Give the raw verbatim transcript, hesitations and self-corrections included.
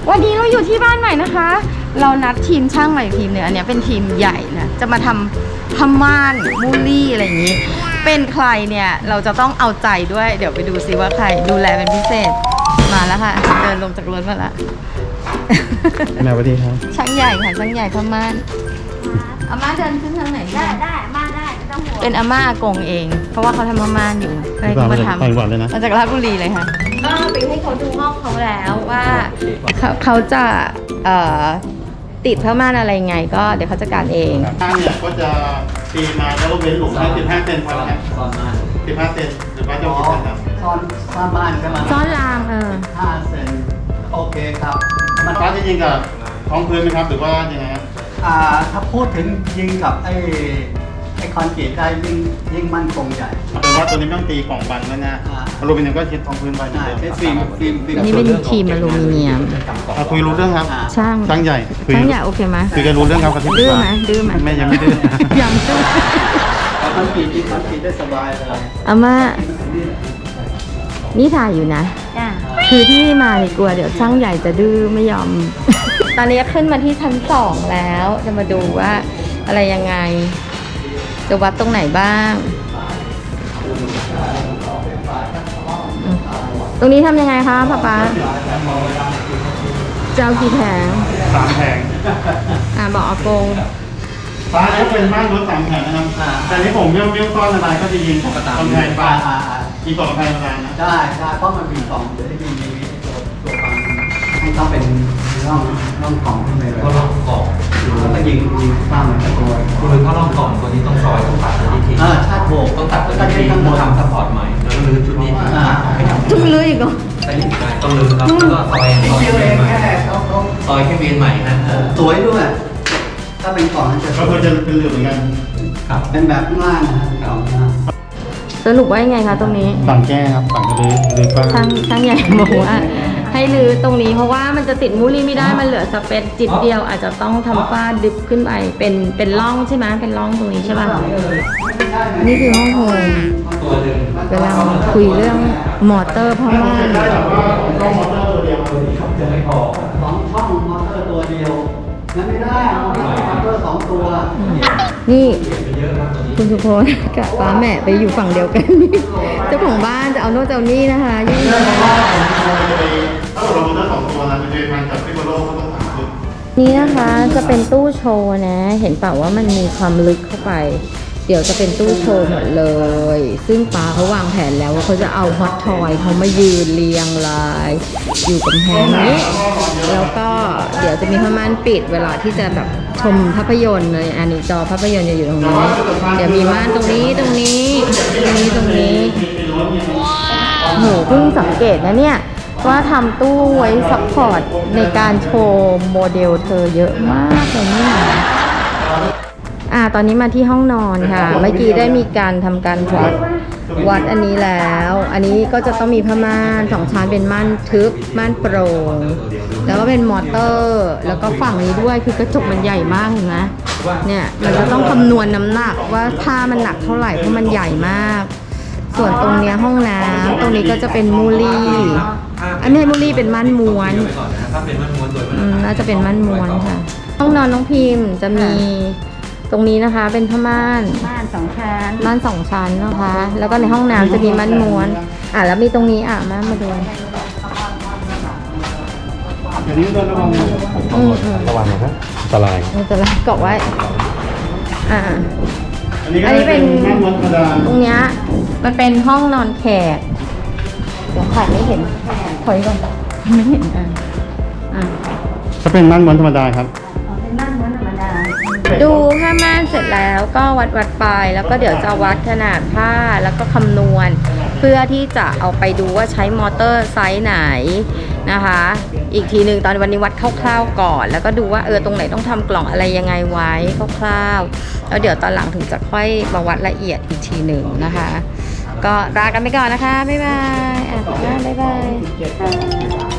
วันนี้เราอยู่ที่บ้านใหม่นะคะ เรานัดทีมช่างใหม่ทีมเนี่ยอันนี้เป็นทีมใหญ่นะจะมาทำผ้าม่านมูลี่อะไรอย่างนี้เป็นใครเนี่ยเราจะต้องเอาใจด้วยเดี๋ยวไปดูซิว่าใครดูแลเป็นพิเศษมาแล้วค่ะเดินลงจากรถมาแล้วแม่สวัสดีครับช่างใหญ่ค่ะช่างใหญ่ผ้าม่านอาม่าเดินขึ้นทางไหนได้ได้มาได้ไม่ต้องห่วงเป็นอาม่าอากงเองเพราะว่าเขาทำผ้าม่านอยู่ใครก็มาทำต่างจังหวัดเลยนะมาจากราชบุรีเลยค่ะก็ไปให้เขาดูห้องเขาแล้วว่าเขาเขาจะเอ่อติดผ้าม่านอะไรไงก็เดี๋ยวเขาจัดการเองข้างเนี่ยก็จะตีมาแล้วเว้นหลุมให้สิบห้าเซนไว้นะซ่อนม่านสิบห้าเซนหรือว่าจะกี่เซนครับซ่อนซ่อนบ้านใช่ไหมซ่อนรางเออห้าเซนโอเคครับมันฟ้าจะยิงกับท้องพื้นไหมครับหรือว่ายังไงครับอ่าถ้าพูดถึงยิงกับไอ้ไอ้คอนกรีตได้ยิ่งยิ่งมั่นคงใหญ่เป็นว่าตัวนี้ไม่ต้องตีกล่องบังแล้วนะอลูมิเนียมก็ชิดท้องพื้นไปเหมือนเดิมใช้ฟิล์มฟิล์มฟิล์มอันนี้เป็นทีมอลูมิเนียมคุยรู้เรื่องครับช่างช่างใหญ่ช่างใหญ่โอเคไหมคุยกันรู้เรื่องครับดื้อไหมดื้อไหมแม่ยังไม่ดื้อยังดื้อคอนกรีตที่คอนกรีตได้สบายเลยอาม่านี่ถ่ายอยู่นะคือที่มาเนี่ยกลัวเดี๋ยวช่างใหญ่จะดื้อไม่ยอม ตอนนี้ขึ้นมาที่ชั้นสองแล้วจะมาดูว่าอะไรยังไงจะวัดตรงไหนบ้างตรงนี้ทำยังไงคะป๊าป๊าจะเอากี่แผงสามแผงอ่าบอกอากงฟ้าจะเป็นบ้านรถสามแผงนะครับแต่นี้ผมเลี้ยวเลี้ยวก้อนอะไรก็จะยิงกำแพงฟ้ายิงกำแพงอะไรนะได้ได้เพราะมันมีกล่องเดี๋ยวได้ยิงมีตัวตัวฟังให้ต้องเป็นร่องร่องกล่องขึ้นไปเลยก็ร่องกล่องแล้วก็ยิงยิงตั้งตะโกนคือถ้าร่องกล่องตัวนี้ต้องซอยต้องตัดตัวนี้ทิ้งอ่าชาติโบกต้องตัดตัวนี้ทิ้งทำซัพพอร์ตใหม่แล้วก็รื้อชุดนี้ทิ้งให้ทำจุ่มเลยอีกเหรอใช่ต้องรื้อครับแล้วก็ซอยซอยเองใหม่ซอยแค่เวียนใหม่นะสวยด้วยถ้าเป็นกล่องจะก็คือจะเป็นเรือเหมือนกันครับเป็นแบบข้างล่างนะครับสรุปว่ายังไงคะตรงนี้ฝั่งแก้ครับฝั่งก็รื้อรื้อฟ้าช่างช่างใหญ่บอกว่าให้รื้อตรงนี้เพราะว่ามันจะติดมูลี่ไม่ได้มันเหลือสเปซจิตเดียวอาจจะต้องทำฝ้าดึบขึ้นไปเป็นเป็นร่องใช่ไหมเป็นร่องตรงนี้ใช่ป่ะนี่คือห้องโฮมเวลาคุยเรื่องมอเตอร์พ่อม่านต้องมอเตอร์ตัวเดียวจะไม่พอสองช่องมอเตอร์ตัวเดียวงั้นไม่ได้มอเตอร์สองตัวนี่คุณสุพจน์กับป้าแม่ไปอยู่ฝั่งเดียวกันนี่เจ้าของบ้านจะเอาโน่นจะเอานี่นะคะยิ่งถ้าเรามอเตอร์สองตัวนะมันจะมันกับที่บนโลกก็ต้องสามตัวนี่นะคะจะเป็นตู้โชว์นะเห็นเปล่าว่ามันมีความลึกเข้าไปเดี๋ยวจะเป็นตู้โชว์หมดเลยซึ่งป้าเขาวางแผนแล้วว่าเขาจะเอาฮอตทอยเขามายืนเรียงรายอยู่กำแพงนี้แล้วก็เดี๋ยวจะมีผ้าม่านปิดเวลาที่จะแบบชมภาพยนตร์เลยอันนี้จอภาพยนตร์จะอยู่ตรงนี้เดี๋ยวมีม่านตรงนี้ตรงนี้ตรงนี้ตรงนี้โหเพิ่งสังเกตนะเนี่ยว่าทำตู้ไว้ซัพพอร์ตในการโชว์โมเดลเธอเยอะมากเลยเนี่ยอ่าตอนนี้มาที่ห้องนอนค่ะเมื่อกี้ได้มีการทำการวัดวัดอันนี้แล้วอันนี้ก็จะต้องมีผ้าม่านสองชั้นเป็นม่านทึบม่านโปร่งแล้วก็เป็นมอเตอร์แล้วก็ฝั่งนี้ด้วยคือกระจกมันใหญ่มากเห็นไหมเนี่ยมันจะต้องคำนวณน้ำหนักว่าผ้ามันหนักเท่าไหร่เพราะมันใหญ่มากส่วนตรงเนี้ยห้องน้ำตรงนี้ก็จะเป็นมูลี่อันนี้มูลี่เป็นม่านม้วนน่าจะเป็นม่านม้วนค่ะห้องนอนน้องพิมพ์จะมีตรงนี้นะคะเป็นผ้าม่านม่านสองชั้นม่านสองชั้นนะคะแล้วก็ในห้องน้ำจะมีม่านม้วนอ่ะแล้วมีตรงนี้อ่ะมามาดูเดี๋ยวนี้เดินระวังระวังนะครับอันตรายอันตรายเกาะไว้อ่าอันนี้เป็นตรงเนี้ยมันเป็นห้องนอนแขกเดี๋ยวถ่ายไม่เห็นถอยก่อนไม่เห็นอ่ะอ่ะก็เป็นม่านม้วนธรรมดาครับเป็นม่านม้วนธรรมดาดูผ้าม่านเสร็จแล้วก็วัดวัดไปแล้วก็เดี๋ยวจะวัดขนาดผ้าแล้วก็คำนวณเพื่อที่จะเอาไปดูว่าใช้มอเตอร์ไซส์ไหนนะคะอีกทีหนึ่งตอนวันนี้วัดคร่าวๆก่อนแล้วก็ดูว่าเออตรงไหนต้องทำกล่องอะไรยังไงไว้คร่าวๆแล้วเดี๋ยวตอนหลังถึงจะค่อยมาวัดละเอียดอีกทีหนึ่งนะคะก็ลากันไปก่อนนะคะบ๊ายบายอ่ะบ๊ายบาย